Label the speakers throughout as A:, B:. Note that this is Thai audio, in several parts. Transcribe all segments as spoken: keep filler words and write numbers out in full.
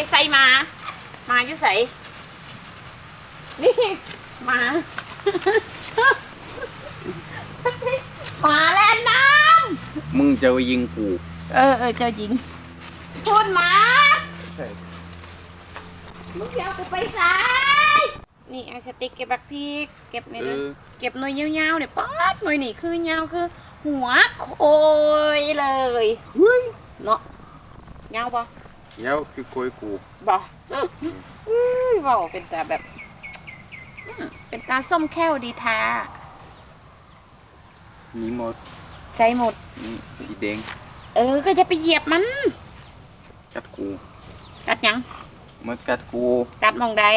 A: ใส่มามาอยู่ใส่นี่มามาแล้วน้ำ
B: มึงจะยิงกู
A: เออเออเจ้าหญิงพูดมามึงเดี๋ยวกูไปใส่นี่ไอสติ๊กเก็บบักพริกเก็บนี่เลยเก็บหน่วยยาวๆเนี่ยป๊อดหน่วยนี่คือยาวคือ หัวโคยเลยเนาะยาวปะ
B: ยาวคือโคยกู
A: บ่บอกเป็นตาแบบเป็นตาส้มแค่วดีทา
B: มีหมด
A: ใจหมด
B: สีแดง
A: เออก็จะไปเหยียบมัน
B: กัดกู
A: กัดยัง
B: มันกัดกู
A: กัดมองใด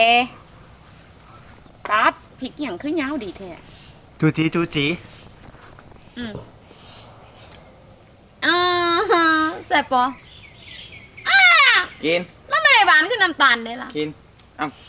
A: กัดพริกอย่างคือยาวดีแท้
C: จูจีจูจี
A: อืมอ่าแซ่บปะอ่า
B: กิน
A: มันไม่ได้หวานคือน้ำตาลเลยล่ะ
B: กินเอ้า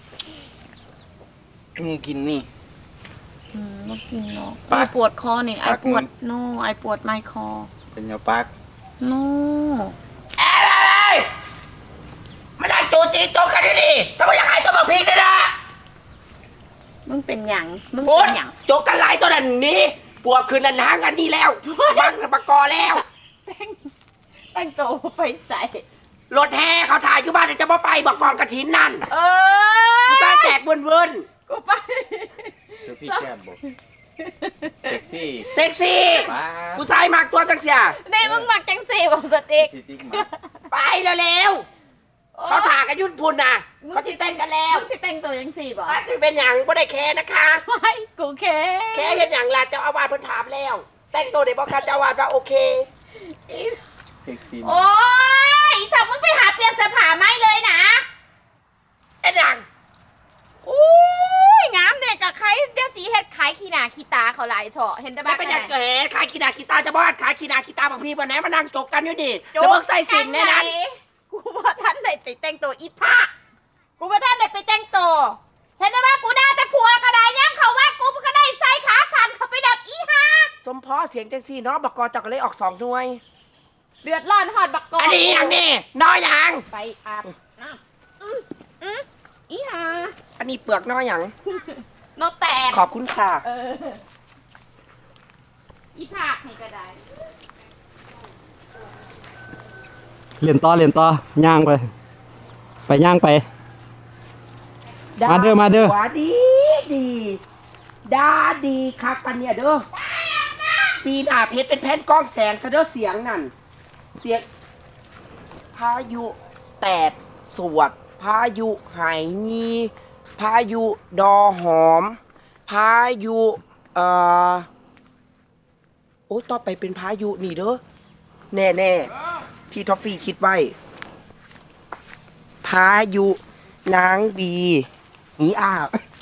B: นี่กินนี่
A: อืมมากินเนาะไอปวดคอนี่ไอปวดโน่ไอปวดไมคอ
B: เป็นยาปัก
A: โน่
C: อะไรมาได้จูจีโจกันดิสมัยยังไงตัวแบบพริกได้ละ
A: มึงเป็นหยังมึงเป็นหยัง
C: โจกันลายตัวนั้นนี้ปวดคืนนั้นหางกันนี่แล้วบังปะกอแล้ว
A: แต่งแต่งตัวไปใส่
C: รถแห่เขาถ่ายอยู่บ้านจะมาไปบอกกองกระถินนั่น
A: เออ
C: กูแจกเวินเวิน
A: กูไป
B: เดี๋ยวพี่แก้มบอกเซ็กซี่
C: เซ็กซี่กูใส่มากตัวจังเสีย
A: นี่มึงมักจังสีบอกสติ๊ก
C: ไปเร็วๆเขาถ่ายกันยุ่นพุนน่ะเขาจะแต่งกันแล้ว
A: มึงจะแต่งตัวจังสีบอก
C: จะเป็นอย่างก็ได้แค่นะคะ
A: ไม่กูแค่
C: แค่เห็นอย่างละเจ้าอาวาสเพิ่นถามแล้วแต่งตัวเด็กบอกกันเจ้าอาวาสว่าโอเค
B: เซ็กซี่
A: โอ้ยถ้ามึงไปหาเปลี่ยนเสื้อผ้าไม่เลยนะ
C: ไอ้หนัง
A: อุ้ยงามเนี่ยกับใครเดี๋ยวสีเฮ็ดขายขี้หนาขี้ตาเขาหลายเถอะเห็นแต่บ้า
C: เป็นอย่างเกิดขายขี้หนาขี้ตาจะบอดขายขี้หนาขี้ตาบางพี่วันไหนมานั่งจกกันอยู่นี่แล้วมึงใส่สินแน่นั้น
A: กูว่าท่านไหนไปแต่งตัวอีผ้ากูว่าท่านไหนไปแต่งตัวเห็นแต่ว่ากูได้แต่ผัวก็ได้ย้ำเขาว่ากูก็ได้ใส่ขาสั่นเขาไปดับอีห่า
C: สมพอเสียงจังซี่เนาะบักกอจักเลยออกสองหน่วย
A: เดือดร้อนหอดบักกอ
C: อันนี้อย่างนี้น้อยอย่าง
A: ไปอาบน้ำอืมอืมอีห่า
C: อันนี้เปลือกน้อยอย่าง
A: นกแตก
C: ขอบคุณค่ะ
A: เอออีผักนี่ก็ได้
D: เรียนต่อเรียนต่อย่างไปไปย่างไปมาเด้อมาเด้อ
C: ว่าดีดีดาดีคักปันเนี่ยเด้อปีหน้าเพชรเป็นแผ่นกล้องแสงซะเด้อเสียงนั่นเสียงพายุแตดสวดพายุไหงีพายุดอหอมพายุเอ่อโอ้ต่อไปเป็นพายุนี่เด้อแน่แน่ที่ทอฟฟี่คิดไว้พายุนางบีอีอ้า